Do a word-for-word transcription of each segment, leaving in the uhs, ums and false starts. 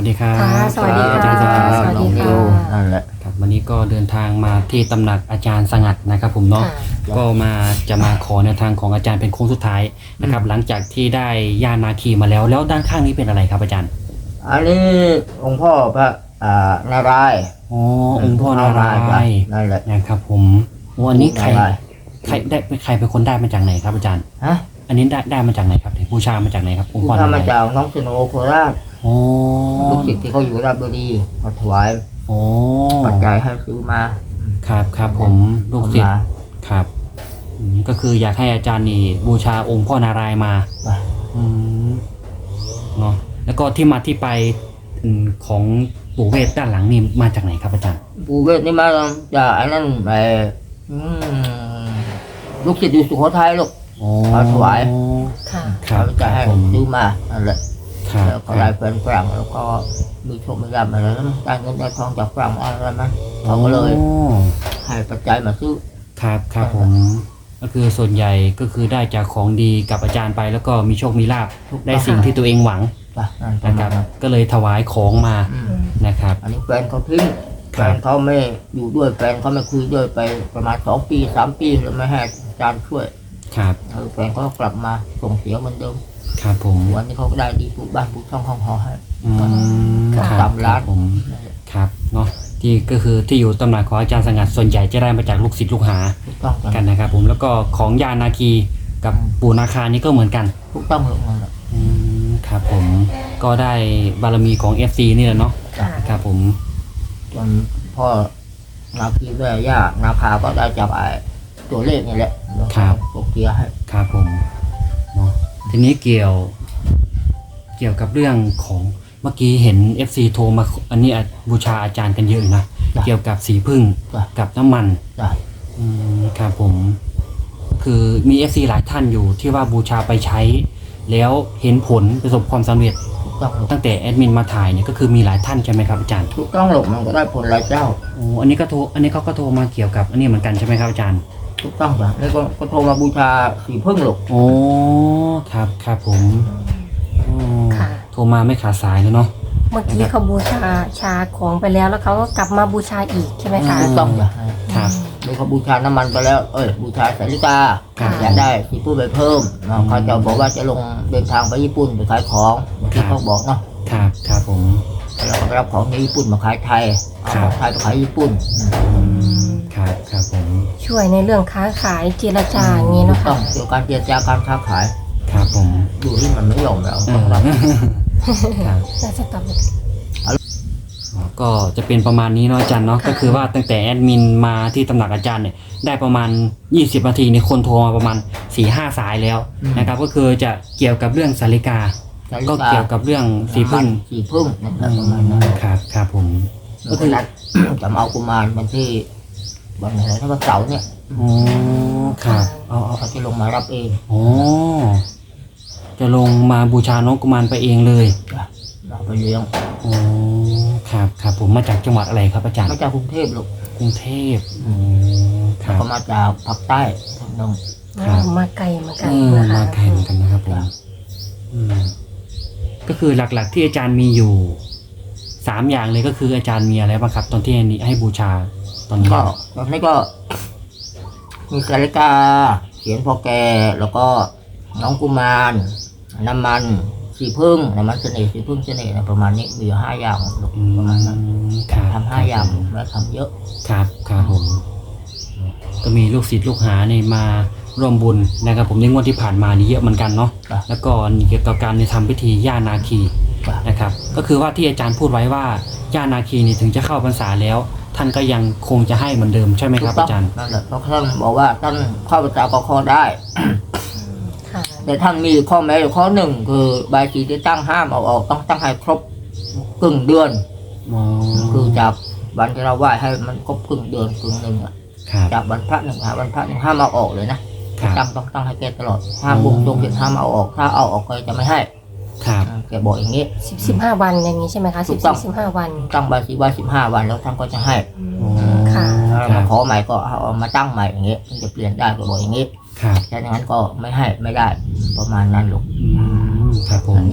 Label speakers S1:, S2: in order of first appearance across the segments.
S1: วัสดีครับ
S2: สวัสดีค่ะ
S1: อาจารย์สงัด
S2: สวัสดีค่ะ
S3: นั่นแหละ
S1: ครับวันนี้ก็เดินทางมาที่ตำหนักอาจารย์สงัดนะครับผมเนาะ
S2: ค่ะ
S1: ก็มาจะมาขอแนวทางของอาจารย์เป็นโค้งสุดท้ายนะครับหลังจากที่ได้ย่านาคีมาแล้วแล้วด้านข้างนี้เป็นอะไรครับอาจารย์
S3: อันนี้องค์พ่อพระอ่านารายณ์
S1: อ๋อองค์พ่อนารายณ์
S3: นั่นแหละ
S1: นะครับผมวันนี้ใคร
S3: นารายณ์
S1: ใครได้ใครเป็นคนได้มาจากไหนครับอาจารย์
S3: ฮะ
S1: อันนี้ได้ได้มาจากไหนครับบูชามาจากไหนครับองค์
S3: ผู้
S1: พ่อนา
S3: ทำ
S1: ราม
S3: าย
S1: ณ์
S3: จากน้องสโนโคราช
S1: อ๋อ
S3: ลูกศิษย์ที่เขาอยู่ราชบุรีมาถวาย
S1: อ๋อ
S3: ปัจจัยให้ซื้อมา
S1: ครับครับผมลูกศิษ
S3: เอา
S1: ย์
S3: มา
S1: ครับอืมก็คืออยากให้อาจารย์นี่บูชาองค์พ่อนารายณ์มา
S3: ไป
S1: อืมเนาะแล้วก็ที่มาที่ไปอืมของปู่เวทด้านหลังนี่มาจากไหนครับอาจารย์
S3: ปู่เวทนี่มาจากไอ้นั่นไอ้อืมลูกศิษย์อยู่สุโขทัยลูก
S1: อ๋อ
S3: มาถวาย
S2: ค่ะ
S1: ครับ
S3: ปัจจัยให้
S1: ผม
S3: ซื้อมานั่นแหละ
S1: ครับ
S3: แล้วก็ได้แฟนฝรั่งแล้วก็มีโชคมีลาภอะไรแล้วได้เงินได้ทองจากฝรั่งอะไรมั้ยเขาก็เลย
S1: อ๋อ
S3: ให้ปัจจัยมาซื้อ
S1: ครับครับผมก็คือส่วนใหญ่ก็คือได้จากของดีกับอาจารย์ไปแล้วก็มีโชคมีลาภได้สิ่งที่ตัวเองหวัง
S3: ป่ะนั่นประ
S1: นะค
S3: มา
S1: รั
S3: ณ
S1: บ
S3: นั้น
S1: ก็เลยถวายของมา
S3: อืม
S1: นะครับ
S3: อันนี้แฟนเขาทิ้ง
S1: ค
S3: แฟ
S1: รับ
S3: นเขาไม่อยู่ด้วยแฟนเขาไม่คุยด้วยไปประมาณสองปีสามปีแล้วไม่ให้อาจารย์ช่วย
S1: ครับ
S3: เออแฟนเขาก็กลับมาส่งเสียเหมือนเดิม
S1: ครับผม
S3: วันนี้เขาก็ได้ดีปลูกบ้านปลูกช่องห้องหอให้
S1: อืม
S3: ครับ
S1: ครับ
S3: สามล้าน
S1: ครับผมครับเนาะที่ก็คือที่อยู่ตำหนักของอาจารย์สงัดส่วนใหญ่จะได้มาจากลูกศิษย์ลูกหา
S3: ถูกต้อง
S1: กั
S3: กัน น
S1: นะครับผมแล้วก็ของยานาคีกับปู่นาคานี่ก็เหมือนกัน
S3: ถูกต้องเลยนั่นแหละ
S1: อืมครับผมก็ได้บารมีของ เอฟ ซี นี่แหละเนาะ
S2: ค่ะ
S1: ครับผม
S3: จนพ่อนาคีแม่ย่านาคาก็ได้จับไอ้ตัวเลขนี่แหละตกเกียร์ให้
S1: ครับผมเนาะทีนี้เกี่ยว เกี่ยวกับเรื่องของเมื่อกี้เห็น เอฟ ซี โทรมาอันนี้อ่ะบูชาอาจารย์กันเยอะอยู่นะเกี่ยวกับสีพึ่ง
S3: จ้ะ
S1: กับน้ำมัน
S3: จ้ะ
S1: อืมครับผม คือมี เอฟ ซี หลายท่านอยู่ที่ว่าบูชาไปใช้ แล้วเห็นผลประสบความสำเร็จ
S3: ถูกต้องหรอก
S1: ตั้งแต่แอดมินมาถ่ายเนี่ยก็คือมีหลายท่านใช่ไหมครับอาจารย์
S3: ถูกต้องหรอกมันก็ได้ผลหลายเจ้า
S1: โอ้อันนี้ก็โทรอันนี้เขาก็โทรมาเกี่ยวกับอันนี้เหมือนกันใช่ไหมครับอาจารย์
S3: ถูกต้องจ้ะแล้วก็ก็โทรมาบูชาสีพึ่งหรอก
S1: โอ้ครับครับผมอ๋อ
S2: ค่ะ
S1: โทรมาไม่ขาดสายเลยเนาะ
S2: เมื่อกี้เขาบูชาชาของไปแล้วแล้วเขาก็กลับมาบูชาอีกใช่ไหมคะ
S3: ถูกต้องจ้ะ
S1: ครับ
S3: แล้วเขาบูชาน้ำมันไปแล้ว เอ้ยบูชาสาริกา
S1: ครับ
S3: อยากได้สีพึ่งไปเพิ่มเนาะเขาจะบอกว่าจะลงเดินทางไปญี่ปุ่นไปขายของที่เขาบอกเนาะ
S1: ครับครับผม
S3: แล้วก็ไปรับของในญี่ปุ่นมาขายไทยเอาของไทยไปขายญี่ปุ่น
S1: ครับครับผม
S2: ช่วยในเรื่องค้าขายเจรจาอย่างนี้
S3: ถู
S2: เนาะ
S3: กต้อ
S2: ค่ะ
S3: งเกี่ยวกับการเจรจาการค้าขาย
S1: ครับผม
S3: ดูที่มันไม่ยอมแล้ว
S1: เอ
S3: ต้อ
S1: อง
S3: รับ
S1: ครับ
S2: น่าจะตอบ
S1: ก็จะเป็นประมาณนี้เนาะอาจารย์เนาะ
S2: ค่ะ
S1: ก็คือว่าตั้งแต่แอดมินมาที่ตำหนักอาจารย์เนี่ยได้ประมาณยี่สิบนาทีในยคนโทรมาประมาณ สี่ห้า สายแล้วนะครับก็คือจะเกี่ยวกับเรื่องสาริกา
S3: สาริ
S1: ก็เกี่ยวกับเรื่องสีพึ่ง
S3: สีพึ่งนั่นแหละประมาณนั้น
S1: ครับครับผม
S3: ก็คือนัด จะมาเอากุมารวันที่วันไหนถ้าวันเสาร์เนี่ย
S1: อ๋อครับเอาเอา
S3: เขาจะลงมารับเอง
S1: อ๋อจะลงมาบูชาน้องกุมารไปเองเลย
S3: จ้ะเราไปเลี้ยง
S1: อ๋อครับครับผมมาจากจังหวัดอะไรครับอาจารย์
S3: มาจากกรุงเทพลูก
S1: กรุงเทพอ๋อครับ
S3: ก็มาจากภาคใต้ทางนง
S1: ครับ
S2: มาไกลเหมือนกั
S1: เอน อ
S2: นะคะ
S1: มาแข่งกันนะครับผมอืมก็คือหลักๆที่อาจารย์มีอยู่สามอย่างเลยก็คืออาจารย์มีอะไรบ้างครับ ตอนที่อันนี้ให้บูชาตอนนี้
S3: ก็ตอนนี้ก็ มีสาริกาเขียนพอแกแล้วก็น้องกุมารน้ำมันสีพึ่งน้ำมันเสน่ห์สีพึ่งเสน่ห์นะประมาณนี้มีอยู่ห้าอย่างลูก
S1: อืม
S3: ประมาณนั้น
S1: ครับ
S3: ทำห้าอย่างแล้วทำเยอะ
S1: ครับครับผม ก็มีลูกศิษย์ลูกหาเนี่ยมาร่วมบุญนะครับผมในงวดที่ผ่านมานี่เยอะเหมือนกันเนาะ
S3: จ้ะ
S1: แล้วก็เกี่ยวกับการในทำพิธีย่านาคี
S3: จ้ะ
S1: นะครับ ก็คือว่าที่อาจารย์พูดไว้ว่าย่านาคีนี่ถึงจะเข้าพรรษาแล้ว ท่านก็ยังคงจะให้เหมือนเดิมใช่ไหมครับอาจารย์
S3: นั่นแหละเพราะท่านบอกว่าท่านเข้าพรรษาก็ข้อได้
S2: ค่ะ
S3: แต่ท่านมีข้อแม้อยู่ข้อหนึ่งคือใบายสีที่ตั้งห้ามเอาออกต้องตั้งให้ครบครึ่งเดือน
S1: อ๋อ
S3: คือจากวันที่เราไหว้ให้มันครบครึ่งเดือนครึ่งหนึ่งอะ
S1: ครับ
S3: จากวันพระหนึ่งหาวันพระหนึ่งห้ามเอาออกเลยนะครับ ตั้งต้องตั้งให้แกตลอดห้าม
S1: อืม
S3: บุกตรงเสร็จห้ามเอาออกถ้าเอาออกก็จะไม่ให้
S1: ครับ
S3: แกบอกอย่างนี้
S2: สิบสิบห้าวันอย่างนี้ใช่ไหมคะ
S3: ถู
S2: สิบ
S3: กต้
S2: สิ
S3: อง
S2: บสิบห้าวัน
S3: ตั้งใบายสีไว้สิบห้าวันแล้วท่านก็จะให้
S1: อ๋อ
S2: ค่ะ
S3: ถ้า
S1: ครั
S3: มา
S1: บ
S3: ขอใหม่ก็เอามาตั้งใหม่อย่างนี้มันจะเปลี่ยนได้ก็บอกอย่างนี้
S1: ครับ
S3: แค่นั้นก็ไม่ให้ไม่ได้ประมาณนั้นลูก
S1: อืมครับผม
S3: อันนี้มี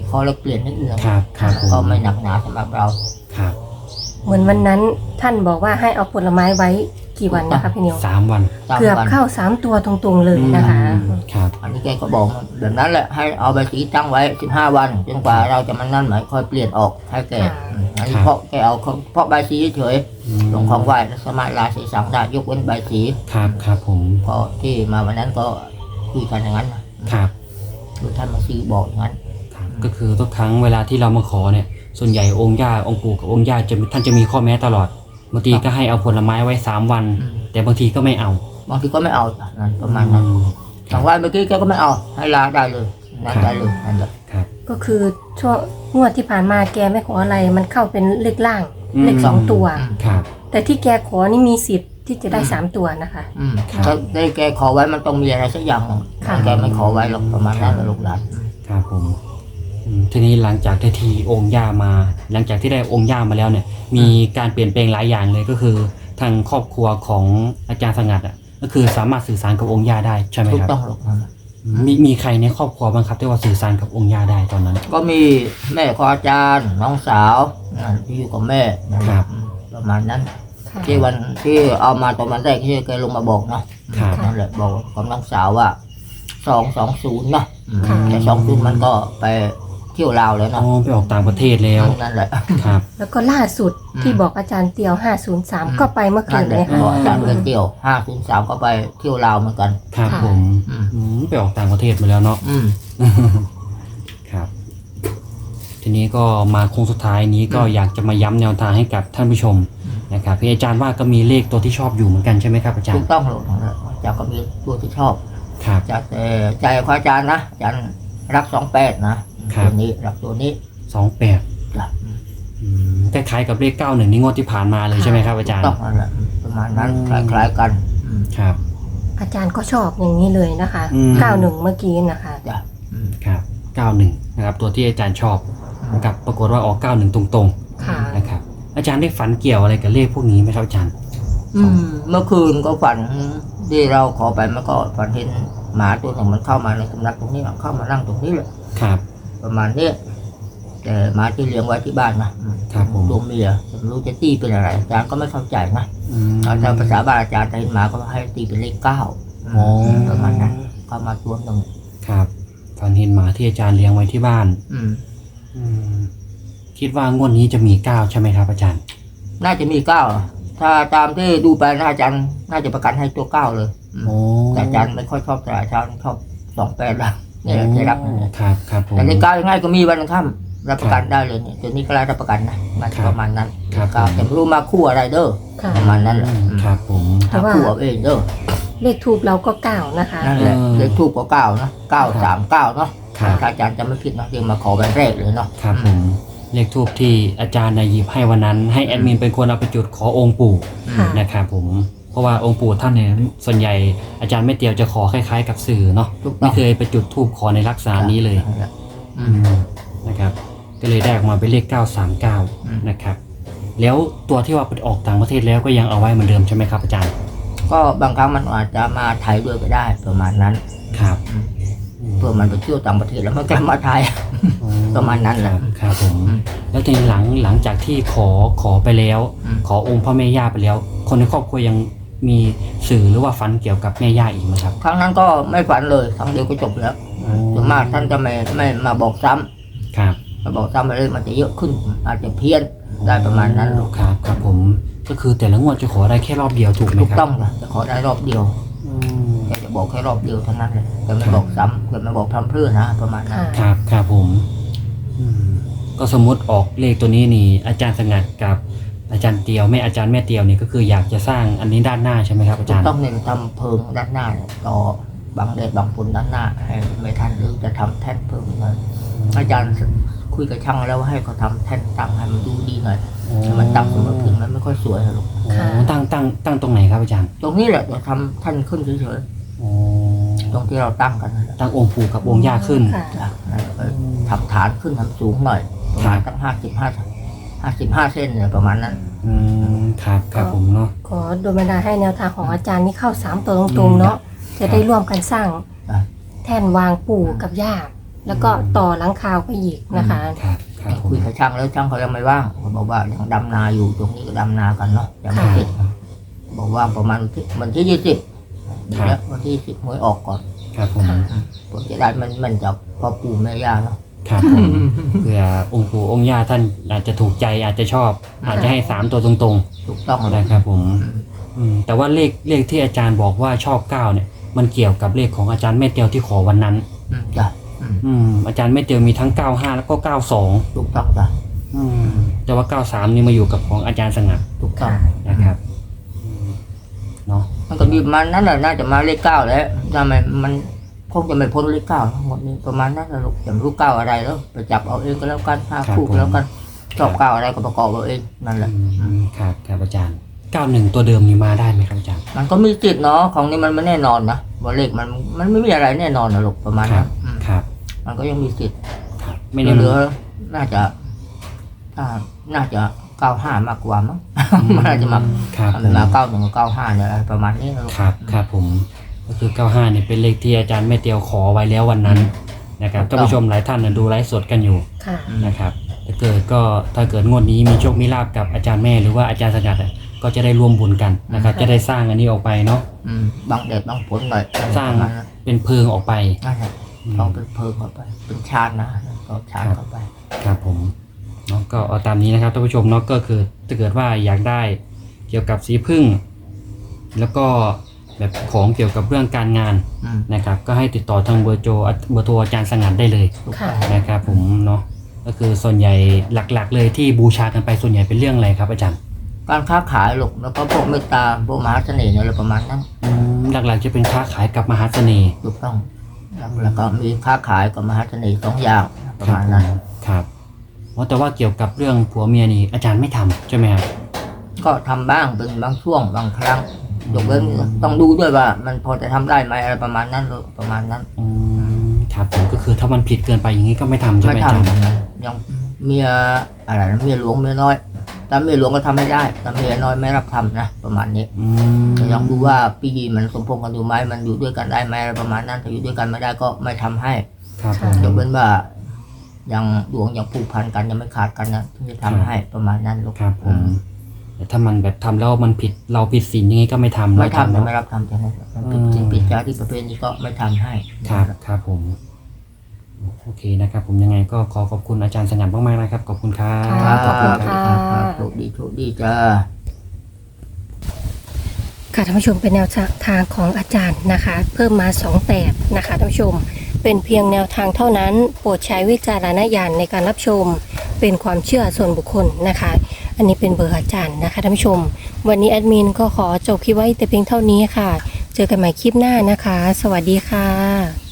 S3: ข้อเล็กเปลี่ยนนิดนึง
S1: ครับครับผม
S3: ก็ไม่หนักหนาสำหรับเรา
S1: ครับ
S2: เหมือนวันนั้นท่านบอกว่าให้เอาผลไม้ไว้กี่วันนะคะพี่นิว
S1: สามวัน
S3: ตาม
S2: เกือบ
S3: วัน
S2: เข้าสามตัวตรงๆเลยนะคะ
S1: อืมครับ
S3: อันนี้แกก็บอกแบบนั้นแหละให้เอาใบสีตั้งไว้สิบห้าวันจนกว่าเราจะมันนั่นหมายค่อยเปลี่ยนออกให้แก
S2: ค่ะ
S3: อืมอันนี้
S1: ครับ
S3: เพราะแกเอาเพราะใบสีเฉย
S1: อืม
S3: ๆลงของไหว้แล้วสามารถลาสีสังได้ยกเว้นใบสี
S1: ครับครับผม
S3: เพราะที่มาวันนั้นก็คุยกันอย่างนั้นนะครับ คือท่านมาซีบอกอย่างนั้น
S1: ครับก็คือทุกครั้งเวลาที่เรามาขอเนี่ยส่วนใหญ่องค์ย่าองค์ปู่กับองค์ย่าจะท่านจะมีข้อแม้ตลอดบางทีก็ให้เอาผลไม้ไว้สามวัน
S3: อืม
S1: แต่บางทีก็ไม่เอา
S3: บางทีก็ไม่เอานั่นประมาณนั้น
S1: อืม
S3: ทางไหว้เมื่อกี้แกก็ไม่เอาให้ลาได้เลยนั่นได้เลยนั่นแหละ
S1: ครับ
S2: ก็คือช่วงงวดที่ผ่านมาแกไม่ขออะไรมันเข้าเป็นเลขล่าง
S1: อืม
S2: เลขสองตัว
S3: อืม
S1: ครับ
S2: แต่ที่แกขอนี่มีสิทธิ์ที่จะได้
S3: อืม
S2: สามตัวนะคะ
S3: อืม
S1: ครับ
S3: ถ้าได้แกขอไว้มันต้องมีอะไรสักอย่างหนึ่ง
S2: ค่ะ
S3: แกไม่ขอไว้หรอกประมาณนั้นนะลูกหลาน
S1: ครับผมอืมทีนี้หลังจากได้ทีองค์ย่ามา หลังจากที่ได้องค์ย่ามาแล้วเนี่ย มีการเปลี่ยนแปลงหลายอย่างเลยก็คือทางครอบครัวของอาจารย์สงัดอ่ะก็คือสามารถสื่อสารกับองค์ย่าได้ใช่ไหม
S3: ถูก
S1: ครับ
S3: ต้องลูกนั่นแหละ
S1: มีมีใครในครอบครัวบ้างครับที่ว่าสื่อสารกับองค์ย่าได้ตอนนั้น
S3: ก็มีแม่ของอาจารย์น้องสาวอ่าที่อยู่กับแม่นั่นแหละ
S1: ครับ
S3: อืมประมาณนั้น
S2: ค่ะ
S3: ที่วันที่เอามาตอนวันแรกที่แกลงมาบอกเนาะ
S1: ครับ
S3: นั่นแหละบอกกับน้องสาวว่าสองสองศูนย์เนาะอืม
S2: ค่ะ
S3: แต่สองศูนย์มันก็ไปเที่ยวลาวแล้ว
S1: อ๋อ
S3: เนาะ
S1: ไปออกต่างประเทศแล้ว
S3: นั่นแหละ
S1: ครับ
S2: แล้วก็ล่าสุด
S3: อืม
S2: ที่บอกอาจารย์เตียวห้าศูนย์สาม
S3: อืม
S2: ก็ไปเมื่อคื
S3: นั่
S2: น
S3: นแห
S2: เล
S3: ละ
S2: ยค่ะ
S3: บอกอาจารย์เงินเที่ยวห้าศูนย์สามก็ไปเที่ยวลาวเหมือนกัน
S1: ครับ
S2: ค่ะ
S1: ผม
S3: อืม
S1: อืมไปออกต่างประเทศมาแล้วเนาะ
S3: อืม
S1: ครับ ทีนี้ก็มาโค้งสุดท้ายนี้ก็
S3: อืม
S1: อยากจะมาย้ำแนวทางให้กับท่านผู้ชม
S3: อืม
S1: นะครับพี่อาจารย์ว่าก็มีเลขตัวที่ชอบอยู่เหมือนกันใช่ไหมครับอาจาร
S3: ถู
S1: ย์
S3: กต้องเลยนั่นแหละอาจารย์ก็มีตัวที่ชอบ
S1: ครับ
S3: จากแต่ใจของอาจารย์นะอาจารย์รักสองแปดนะครับ ตัวนี้รักตัวนี้
S1: สองแปด
S3: จ้ะ
S1: คล้ายๆกับเลขเก้าหนึ่งนี่งวดที่ผ่านมาเลยใช่ไหมครับอาจารย์
S3: ต้องนั่นแหละประมาณนั้น
S1: อืม
S3: คล้ายๆกันอืม
S1: ครับ
S2: อาจารย์ก็ชอบอย่างนี้เลยนะคะ
S1: อืม
S2: เก้าหนึ่งเมื่อกี้นะคะ
S3: จ้ะอืม
S1: ครับเก้าหนึ่งนะครับตัวที่อาจารย์ชอบนะครับปรากฏว่าออกเก้าหนึ่งตรง
S2: ค่ะ
S1: ๆนะครับอาจารย์ได้ฝันเกี่ยวอะไรกับเลขพวกนี้ไหมครับอาจารย์
S3: อืมเมื่อคืนก็ฝันที่เราขอไปมันก็ฝันเห็นหมาตัวหนึ่งมันเข้ามาในสำนักตรงนี้เข้ามานั่งตรงนี้เลย
S1: ครับ
S3: ประมาณนี้แต่หมาที่เลี้ยงไว้ที่บ้านนะอืม
S1: ครับผม
S3: ตัวเมียไม่รู้จะตีเป็นอะไรอาจารย์ก็ไม่เข้าใจนะ
S1: อืม
S3: เอาตามภาษาบ้านอาจารย์แต่เห็นหมาก็ให้ตีเป็นเลขเก้า
S1: โอ้
S3: ประมาณนั้นเข้ามาตัวหนึ่ง
S1: ครับฝันเห็นหมาที่อาจารย์เลี้ยงไว้ที่บ้าน
S3: อืม
S1: อืมคิดว่างวดนี้จะมีเก้าใช่ไหมครับอาจารย์
S3: น่าจะมีเก้าถ้าตามที่ดูไปนะอาจารย์น่าจะประกันให้ตัวเก้าเลยอืม
S1: โอ้
S3: แต่อาจารย์ไม่ค่อยชอบแต่อาจารย์ชอบสองแปดละนี่แหละที่รับนั่นแหละ
S1: ครับครับผม
S3: แต่เลขเก้ายังไงก็มีวันค่ำรับประกันได้เลยเนี่ยตัวนี้ก็รับประกันนะมัน
S1: ครับ
S3: ประมาณนั้น
S1: ครับ
S3: เก้าแต่ไม่รู้มาคู่อะไรเด้อ
S2: ค่ะ
S3: ประมาณนั้นแหละ
S1: อืมครับผม
S2: แต่
S3: หา
S2: ว่า
S3: คู่เอาเองเด้อ
S2: เลขทูบเราก็เก้านะคะ
S3: นั่นแหละ
S1: เออ
S3: เลขทูบก็เก้านะเก้าสามเก้าเนาะ
S1: ครับ
S3: ถ้าอาจารย์จะไม่ผิดนะเดี๋ยวมาขอวันแรกเลยเนาะ
S1: ครับผมเลขทูบที่อาจารย์นายหยิบให้วันนั้น ให้แอดมินเป็นคนเอาไปจุดขอองค์ปู่
S2: ค่ะ
S1: นะครับผมเพราะว่าองค์ปู่ท่านเนี่ยส่วนใหญ่อาจารย์ไม่เตียวจะขอคล้ายๆกับสื่อเนาะ
S3: ถูกต้
S1: ไม่
S3: อง
S1: เคยไปจุดทูบขอในลักษณะนี้เลย
S3: นั่นแหละอื
S1: อื
S3: ม
S1: มนะครับก็เลยได้ออกมาเป็นเลขเก้าสามเก้า
S3: อืม
S1: นะครับแล้วตัวที่ว่าไปออกต่างประเทศแล้วก็ยังเอาไว้เหมือนเดิมใช่ไหมครับอาจารย์
S3: ก็บางครั้งมันอาจจะมาไทยด้วยก็ได้ประมาณนั้น
S1: ครับ
S3: อืมเพื่อมันไปเที่ยวต่างประเทศแล้วมันก็มาไทย
S1: อ๋อ
S3: ประมาณนั้นแหละ
S1: ครับครับผม
S3: อืม
S1: แล้วทีนี้หลังหลังจากที่ขอขอไปแล้ว
S3: อืม
S1: ขอองค์พ่อแม่ย่าไปแล้ว คนในครอบครัวยังมีสื่อหรือว่าฝันเกี่ยวกับแม่ย่าอีกไหมครับ
S3: ครั้งนั้นก็ไม่ฝันเลยครั้งเดียวก็จบแล้วส่วนมากท่านจะไม่ไม่มาบอกซ้ำ
S1: ครับ
S3: มาบอกซ้ำไปเลยมันจะเยอะขึ้น อาจจะเพี้ยนได้ประมาณนั้นลูก
S1: ครับครับผมก็คือแต่ละงวดจะขอได้แค่รอบเดียวถูกไหม
S3: ถูก
S1: ครับ
S3: ต้องนะจะขอได้รอบเดียว
S1: อืม
S3: แกจะบอกแค่รอบเดียวเท่านั้นเลยแต่ไม่บอกซ้ำแต่ไม่บอกพร่ำเพรื่อนะประมาณนั้น
S2: ค่ะ
S1: ครับครับผมอืมก็สมมติออกเลขตัวนี้นี่ อาจารย์สงัดกับอาจารย์เตียวแม่อาจารย์แม่เตียวนี่ก็คืออยากจะสร้างอันนี้ด้านหน้าใช่ไหมครับอา
S3: ถู
S1: จาก รย์
S3: ต้องเน้นทำเพิงด้านหน้าเนี่ยต่อบังแดดบังฝนด้านหน้า ให้ไม่ทันหรือจะทำแท่นเพิ่มเลยอาจารย์คุยกับช่างแล้วว่าให้เขาทำแท่นตั้งให้มันดูดีหน่อยให้มันตั้งเสมอพื้นมันไม่ค่อยสวยนะลูก
S1: โอ้ตั้งตั้งตั้งตรงไหนครับอาจารย์
S3: ตรงนี้แหละเดี๋ยวทำแท่นขึ้นเฉย
S1: โอ้
S3: ๆตรงที่เราตั้งกันนั่นแหละ
S1: ตั้งองค์ปู่กับองค์ย่าขึ้น
S2: ค่ะ
S3: จ้ะแล้วก็ทำฐานขึ้นทำสูงหน่อยประมาณตั้งห้าสิบห้าห้าสิบห้าเส้นเนี่ยประมาณนั้น
S1: อืมครับครับผมเนาะ
S2: ขอโดยบันดาลให้แนวทางของอาจารย์นี่เข้าสามตัวตรงๆเนาะจะได้ร่วมกันสร้าง
S3: อ่ะ
S2: แท่นวางปู่กับย่าแล้วก็ต่อหลังคาไปอีกนะคะ
S1: ครับครับผม
S3: คุยกับช่างแล้วช่างเขายังไม่ว่างเขาบอกว่ายังดำนาอยู่ตรงนี้ก็ดำนากันเนาะยังไม่เสร็จบอกว่างประมาณวันที่ยี่สิบแล้ววันที่สิบหวยออกก่อน
S1: ครับผม
S3: ผมจะได้มันมันจากพ่อปู่แม่ย่าเนาะ
S1: ครับผมเผื่อองค์ปู่องค์ย่าท่านอาจจะถูกใจอาจจะชอบ อาจจะให้สามตัวตรง
S3: ถูกต้อง
S1: ๆ
S3: เลย
S1: นะครับผมอืมแต่ว่าเลขเลขที่อาจารย์บอกว่าชอบเก้าเนี่ยมันเกี่ยวกับเลขของอาจารย์แม่เตียวที่ขอวันนั้น
S3: อืมจ้ะอืม
S1: อืมอาจารย์แม่เตียวมีทั้งเก้าห้าแล้วก็เก้าสอง
S3: ถูกต้องจ้ะ
S1: อืมแต่ว่าเก้าสามนี่มาอยู่กับของอาจารย์สงัด
S3: ถูกต้อง
S1: นะครับอืมเนาะ
S3: มันก็มีมันนั่นแหละน่าจะมาเลขเก้าแล้วทำไมมันคงจะไม่พ้นเลขเก้าทั้งหมดนี้ประมาณนั้นแหละลูกจะไม่รู้เก้าอะไรแล้วไปจับเอาเองก็แล้วกันห้าคู่ก็แล้วกันชอบเก้าอะไรก็ประกอบเอาเองนั่นแหละ
S1: อืมครับครับอาจารย์เก้าหนึ่งตัวเดิมนี่มาได้ไหมครับอาจารย์
S3: มันก็มีจิตเนาะของนี้มันไม่แน่นอนนะว่าเลขมันมันไม่มีอะไรแน่นอนนะลูกประมาณ
S1: ครั
S3: นั้
S1: บ
S3: นอืม
S1: ครับ
S3: มันก็ยังมีสิทธิ์
S1: ครับไม่ได้
S3: เหลือๆน่าจะถ้าน่าจะเก้าห้ามากกว่ามั้ง มันน่าจะมา
S1: ครับ
S3: มันมาเก้าหนึ่งกับเก้าห้าเนี่ยอะไรประมาณนี้นะลูก
S1: ครับครับผมก็คือเก้าห้าเนี่ยเป็นเลขที่อาจารย์แม่เตียวขอไว้แล้ววันนั้นนะครับท่านผู้ชมหลายท่านนะดูไลฟ์สดกันอยู่
S2: ค่ะ
S1: นะครับถ้าเกิดก็ถ้าเกิดงวดนี้มีโชคมีลาบกับอาจารย์แม่หรือว่าอาจารย์สงัดอะก็จะได้ร่วมบุญกันนะครับ จะได้สร้างอันนี้ออกไปเนาะ
S3: อืมบางแดดบางฝนหน่อย
S1: สร้าง
S3: ประมณนั้น
S1: เป็นเพิงออกไป
S3: นั่นแหละ
S1: อืม
S3: ต้องเป็นเพลิงเข้าไป เป็นชาตินะก็ชาติเข้าไป
S1: ครับผมเนาะก็เอาตามนี้นะครับท่านผู้ชมเนาะก็คือถ้าเกิดว่าอยากได้เกี่ยวกับสีพึ่ง แล้วก็แบบของเกี่ยวกับเรื่องการงาน
S3: อืม
S1: นะครับ ก็ให้ติดต่อทางเบอร์โจเบอร์โทรอาจารย์สงัดได้เลย
S3: ถูก
S2: ค่ะ
S3: ต้อง
S1: นะครับผมเนาะก็คือส่วนใหญ่หลักๆ เลยที่บูชากันไปส่วนใหญ่เป็นเรื่องอะไรครับอาจารย์
S3: การค้าขายลูกแล้วก็พวกเมตตาพวกมหาเสน่ห์อะไรประมาณนั้น
S1: อืมหลักๆจะเป็นค้าขายกับมหาเสน่ห์
S3: ถูกต้องแล้วแล้วก็มีค้าขายกับมหาเสน่ห์สองอย่างประมาณนั้น
S1: ครับอ๋อแต่ว่าเกี่ยวกับเรื่องผัวเมียนี่อาจารย์ไม่ทำใช่ไหมครับ
S3: ก็ทำบ้างเป็นบางช่วงบางครั้งยกเว้นต้องดูด้วยว่า มันพอจะทำได้ไหมอะไรประมาณนั้นลูกประมาณนั้น
S1: อืมครับผมก็คือถ้ามันผิดเกินไปอย่างนี้ก็ไม่ทำใช่ไห
S3: ไม่
S1: มอาจารย์
S3: ทำนะยังเมียอะไรนะเมียหลวงเมียน้อยแต่เมียหลวงก็ทำไม่ได้แต่เมียน้อยไม่รับทำนะประมาณนี้
S1: อืม
S3: ลองดูว่าปีมันสมพงษ์กันอยู่ไหมมันอยู่ด้วยกันได้ไหมอะไรประมาณนั้นถ้าอยู่ด้วยกันไม่ได้ก็ไม่ทำให้
S1: ครับผม
S3: ยกเว้นว่ายังดวงยังผูกพันกันยังไม่ขาดกันนะที่จะทำให้ประมาณนั้นลูก
S1: ครับผมแต่ถ้ามันแบบทำแล้วมันผิดเราผิดศีลอย่างนี้ก็ไม่ทำ
S3: ไม่
S1: อาจารย์
S3: ทำจะ
S1: เนาะ
S3: ไม่รับทำจะไม่มันผิดจริงผิดจาที่ประเภทนี้ก็ไม่ทำให้
S1: ครับครับผมโอเคนะครับผมยังไงก็ขอขอบคุณอาจารย์สงัดมากๆนะครับขอบคุณครับ
S2: ค่ะ
S3: ครับ
S2: ขอบคุณค่ะ
S3: ครับโชคดีโชคดีจ้า
S2: ค่ะท่านผู้ชมเป็นแนวทางของอาจารย์นะคะ เพิ่มมาสองแปดนะคะท่านผู้ชมเป็นเพียงแนวทางเท่านั้น โปรดใช้วิจารณญาณในการรับชมเป็นความเชื่อส่วนบุคคลนะคะ อันนี้เป็นเบอร์อาจารย์นะคะท่านผู้ชม วันนี้แอดมินก็ขอจบคลิปไว้แต่เพียงเท่านี้ค่ะ เจอกันใหม่คลิปหน้านะคะ สวัสดีค่ะ